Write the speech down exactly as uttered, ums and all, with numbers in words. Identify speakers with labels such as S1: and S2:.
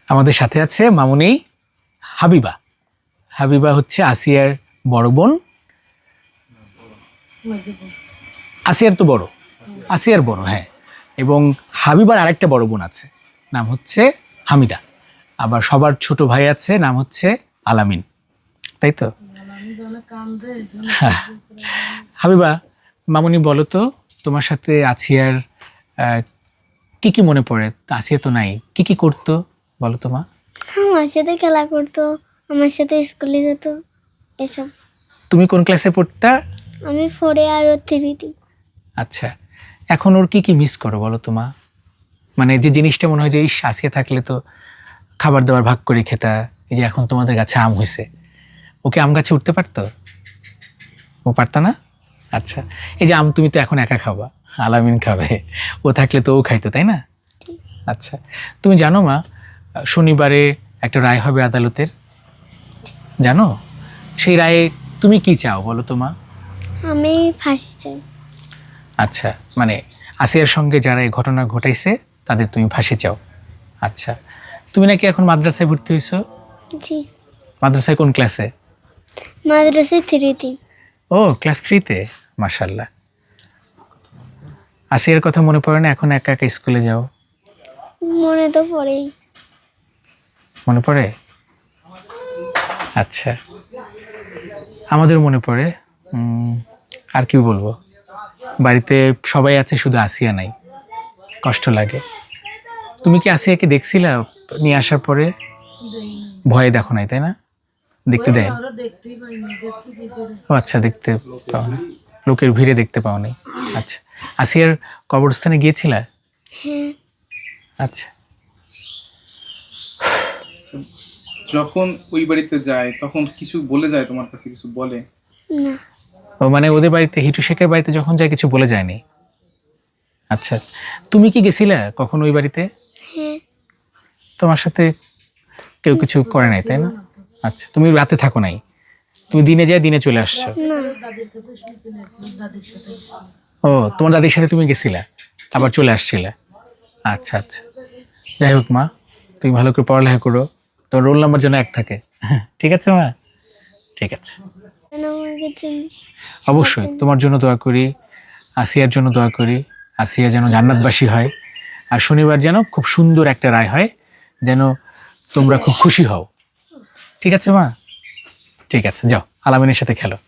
S1: আমাদের সাথে আছে মামুনি হাবিবা। হাবিবা হচ্ছে আসিয়ার বড় বোন। আসিয়ার তো বড়, আসিয়ার বড়, হ্যাঁ। এবং হাবিবার আরেকটা বড় বোন আছে, নাম হচ্ছে হামিদা। আবার সবার ছোট ভাই আছে, নাম হচ্ছে আলামিন, তাই তো? হ্যাঁ। হাবিবা, মামুনি বলো তো, তোমার সাথে আসিয়ার আহ, কি কি মনে পড়ে? আসিয়া তো নাই, কি কি করতো বলো তো মা?
S2: আমার সাথে খেলা করতো, আমার সাথে স্কুলে যেত, এসব।
S1: তুমি কোন ক্লাসে পড়তা?
S2: আমি ফোরে আর ও থ্রিতে।
S1: আচ্ছা, এখন ওর কি কি মিস করো বলো তো মা? মানে যে জিনিসটা মনে হয় যে ইস, আসিয়া থাকলে তো খাবার দাবার ভাগ করে খেতা। এই যে এখন তোমাদের গাছে আম হয়েছে, ওকে আম গাছে উঠতে পারতো? ও পারতা না? আচ্ছা, এই যে আম তুমি তো এখন একা খাবা, আলামিন খাবে, ও থাকলে তো ও খাইতো, তাই না? আচ্ছা, তুমি জানো মা, শনিবারে একটা রায় হবে আদালতের, জানো? সেই রায়ে তুমি কি চাও বলো তো মা?
S2: আমি ফাঁসি চাই।
S1: আচ্ছা, মানে আসিয়ার সঙ্গে যারা এই ঘটনা ঘটাইছে তাদের তুমি ফাঁসি চাও। আচ্ছা, তুমি নাকি এখন মাদ্রাসায় ভর্তি হয়েছো?
S2: জি,
S1: মাদ্রাসায় কোন ক্লাসে?
S2: মাদ্রাসায় থ্রিতে।
S1: ও, ক্লাস থ্রিতে, মাশাল্লাহ। আসিয়ার কথা মনে পড়ে না এখন একা একা স্কুলে যাও?
S2: মনে তো পড়েই।
S1: মনে পড়ে? আচ্ছা, আমাদের মনে পড়ে। উম, আর কি বলবো, বাড়িতে সবাই আছে, শুধু আসিয়া নাই, কষ্ট লাগে। তুমি কি আসিয়াকে দেখছিলা নিয়ে আসার পরে? ভয়ে দেখো নাই, তাই না? দেখতে দেয়? ও আচ্ছা, দেখতে পাও না, লোকের ভিড়ে দেখতে পাও নাই। আচ্ছা, আসিয়ার কবরস্থানে গিয়েছিলা?
S2: হ্যাঁ।
S1: আচ্ছা,
S3: যখন ওই বাড়িতে যায় তখন কিছু বলে যায় তোমার কাছে, কিছু বলে?
S2: না।
S1: ও মানে ওদের বাড়িতে, হিটু শেখের বাড়িতে যখন যায় কিছু বলে যায়নি? আচ্ছা, তুমি কি গেছিলা কখন ওই বাড়িতে?
S2: হ্যাঁ।
S1: তোমার সাথে কেউ কিছু করে নাই, তাই না? আচ্ছা, তুমি রাতে থাকো নাই, তুমি দিনে যায় দিনে চলে আসছো?
S2: না।
S1: ও, তোমার দাদির সাথে তুমি গেছিলা আবার চলে আসছিলে? আচ্ছা আচ্ছা, যাই হোক মা, তুমি ভালো করে পড়ালেখা করো, তোর রোল নাম্বার যেন এক থাকে। ঠিক আছে মা? ঠিক আছে,
S2: কেন আমাকে চিনি?
S1: অবশ্যই তোমার জন্য দোয়া করি, আসিয়ার জন্য দোয়া করি, আসিয়া যেন জান্নাতবাসী হয়, আর শনিবার যেন খুব সুন্দর একটা রায় হয়, যেন তোমরা খুব খুশি হও। ঠিক আছে মা? ঠিক আছে, যাও আলামিনের সাথে খেলো।